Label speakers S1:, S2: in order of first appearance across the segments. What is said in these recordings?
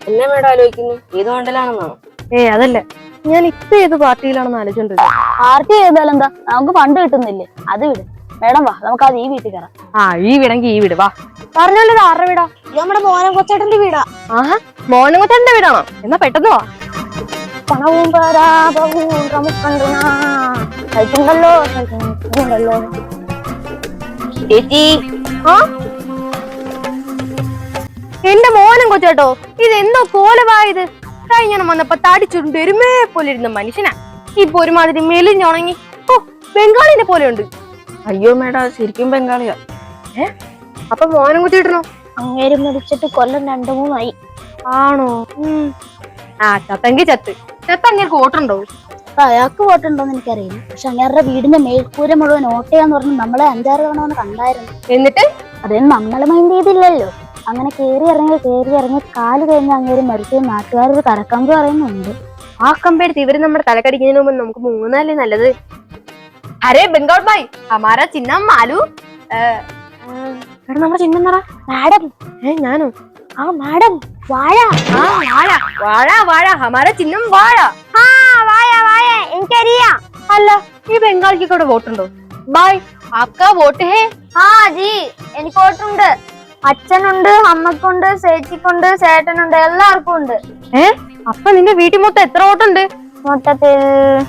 S1: എന്നെ മേഡം ആലോചിക്കുന്നു ഏത് മണ്ഡലാണെന്നാണോ?
S2: അതല്ല, ഞാൻ ഇപ്പൊ ഏത് പാർട്ടിയിലാണെന്ന് ആലോചിച്ചോണ്ടിരിക്കും.
S3: പാർട്ടി ചെയ്താലെന്താ, നമുക്ക് ഫണ്ട് കിട്ടുന്നില്ലേ? അത് വിട് മേഡം, വാ നമുക്ക് അത് ഈ വീട്ടിൽ കയറാം.
S2: ഈ വീടെങ്കിൽ ഈ വീട് വാ. പറഞ്ഞല്ലോ ഇത് ആരുടെ വീടാ?
S3: നമ്മുടെ മോനം കൊച്ചേട്ടന്റെ വീടാ.
S2: മോനും കൊച്ചേട്ടന്റെ വീടാണോ? എന്നാ പെട്ടെന്ന് വാ.
S3: പണവും പരാപവും കഴിച്ചുണ്ടല്ലോ ചേച്ചി.
S2: എന്റെ മോനും കൊച്ചേട്ടോ, ഇതെന്തോ കോലവായത്. കഴിഞ്ഞ വന്നപ്പോ തടിച്ചുണ്ട് എരുമേ പോലെ ഇരുന്ന മനുഷ്യനാ, ഇപ്പൊ ഒരുമാതിരി മെലിഞ്ഞുണങ്ങി. ബംഗാളിനെ പോലെ ഉണ്ട്.
S1: അയ്യോ മേഡം, ശരിക്കും ബംഗാളിയാ.
S2: അപ്പൊ മോനും കൊച്ചേട്ടനോ?
S3: അങ്ങേര് മരിച്ചിട്ട് കൊല്ലം 2-3
S2: ആണോ? ചത്തെങ്കി ചത്ത് അങ്ങേർക്ക് വോട്ടുണ്ടോ?
S3: അയാൾക്ക് വോട്ടുണ്ടോന്ന് എനിക്കറിയില്ല. പക്ഷെ അങ്ങേരുടെ വീടിന്റെ മേൽക്കൂര മുഴുവൻ ഓട്ടയാന്ന് പറഞ്ഞ് നമ്മളെ 5-6 തവണ ഒന്ന് കണ്ടായിരുന്നു.
S2: എന്നിട്ട്
S3: അതൊന്നും നമ്മള് മൈൻഡ് ചെയ്തില്ലല്ലോ. അങ്ങനെ കേറി ഇറങ്ങി കാല് കഴിഞ്ഞ് അങ്ങേര് മരിച്ച നാട്ടുകാരൊരു കരക്കമ്പ് പറയുന്നുണ്ട്.
S2: ആ കമ്പെടുത്ത് ഇവര് നമ്മുടെ തലക്കടിക്കുന്നതിന് മുമ്പ് നമുക്ക് മൂന്നല്ലേ നല്ലത്. അരേ ബംഗാൾ ഭായ്, ഹമാരാ ചിഹ്നം മാലു. നമ്മുടെ ചിഹ്നം പറ.
S3: മാഡം.
S2: ഞാനോ?
S3: മാഡം, വാഴ.
S2: വാഴ ഹമാരാ ചിഹ്നം വാഴ.
S3: വാഴ എനിക്കറിയാം.
S2: അല്ല, ഈ ബംഗാളിക്ക് കൂടെ വോട്ടുണ്ടോ? ബായ്, ആപ്കാ വോട്ട് ഹേ?
S3: ജി, എനിക്ക് വോട്ടുണ്ട്. അച്ഛനുണ്ട്, അമ്മക്കുണ്ട്, ചേച്ചിക്കുണ്ട്, ചേട്ടനുണ്ട്, എല്ലാവർക്കും ഉണ്ട്.
S2: അപ്പൊ നിന്റെ വീട്ടിൽ മൊത്തം എത്ര വോട്ടുണ്ട്?
S3: മൊത്തത്തിൽ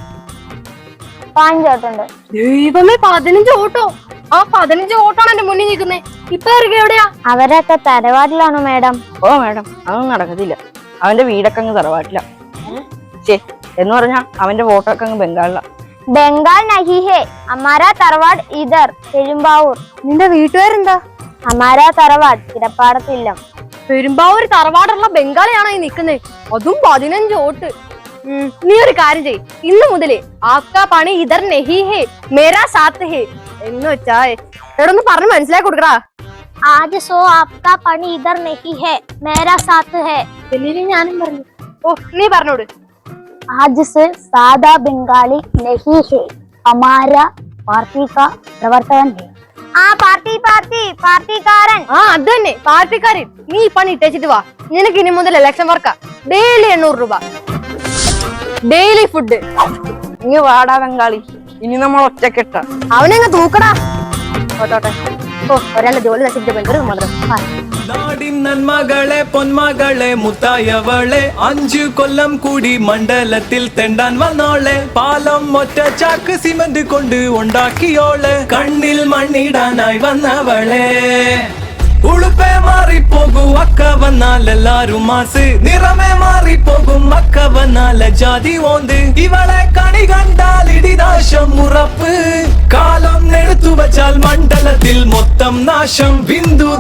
S3: 5 വോട്ടുണ്ട്.
S2: ദൈവമേ, 15 വോട്ടോ? ആ 15 വോട്ടാണ് എന്റെ മുന്നിൽ നിൽക്കുന്നേ. ഇപ്പൊ എവിടെയാ?
S3: അവരൊക്കെ തറവാട്ടിലാണോ മേഡം?
S1: ഓ മേഡം, അതൊന്നും നടക്കത്തില്ല. അവന്റെ വീടൊക്കെ അങ്ങ് തറവാട്ടില്ല. എന്ന് പറഞ്ഞാ അവന്റെ വോട്ടൊക്കെ അങ്ങ് ബംഗാളില.
S3: ബംഗാൾ നഹി ഹേ, ഹമാരാ തറവാട് ഇധർ പെരുമ്പാവൂർ.
S2: നിന്റെ വീട്ടുകാരെന്താ?
S3: ഹമാരാ തറവാട് കിടപ്പാടത്തില്ല.
S2: പെരുമ്പാവൂർ തറവാടുള്ള ബംഗാളിയാണോ ഈ നിക്കുന്നേ? അതും 15 വോട്ട്. നീ ഒരു കാര്യം ചെയ്, ഇന്ന് മുതലേ ആപ്കാ പണി ഇധർ നഹി ഹേ മേരാ സാത്ത് ഹേ എന്ന് വെച്ചാ എടൊന്ന് പറഞ്ഞ് മനസ്സിലാക്കി കൊടുക്കടാ.
S3: ആജ് സോ ആപ്കാ പണി ഇധർ നഹി ഹേ മേരാ സാത്ത് ഹേ.
S2: ഞാനും പറഞ്ഞു. നീ പറഞ്ഞോട്.
S3: आज से सादा बंगाली नहीं है, हमारा पार्टी का प्रवर्तन है. പാർട്ടിക്കാരൻ.
S2: അത് തന്നെ, പാർട്ടിക്കാരൻ. നീ ഈ പണി ഇട്ടേച്ചിട്ട് വാ. നിനക്ക് ഇനി മുതൽ ഇലക്ഷൻ വർക്കാ. ഡെയിലി 800 രൂപ ഡെയിലി ഫുഡ്.
S1: ഇനി വാടാ ബംഗാളി, ഇനി നമ്മൾ ഒറ്റക്കെട്ട.
S2: അവനങ്ങ് തൂക്കടാ. ഓട്ടോട്ടെ. ഒരാളുടെ ജോലി നശിപ്പിച്ച ഭയങ്കര മാത്രം.
S4: നാടിൻ നന്മകളെ പൊന്മകളെ മുത്തായവളെ 5 കൊല്ലം കൂടി മണ്ഡലത്തിൽ തെണ്ടാൻ വന്നോളെ. പാലം ഒറ്റ ചാക്ക് സിമന്റ് കൊണ്ട് ഉണ്ടാക്കിയോളെ. കണ്ണിൽ മണ്ണിടാനായി വന്നവളെ. ഉളുപ്പേ മാറിപ്പോകും അക്ക വന്നാൽ എല്ലാരും മാസ്. നിറമേ മാറിപ്പോകും അക്ക വന്നാൽ ജാതി ഓന്ത്. ഇവളെ കണി കണ്ടാൽ ഇടിനാശം ഉറപ്പ്. കാലം എടുത്തു വച്ചാൽ മണ്ഡലത്തിൽ മൊത്തം നാശം. ബിന്ദു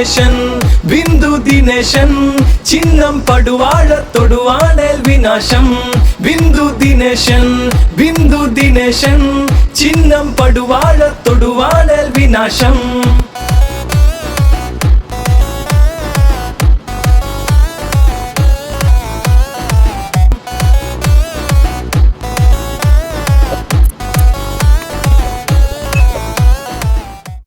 S4: ദിനേശൻ ചിഹ്നം പടുവാഴ തൊടുവാണേൽ വിനാശം. ബിന്ദു ദിനേശൻ ചിഹ്നം പടുവാഴ തൊടുവാണേൽ വിനാശം.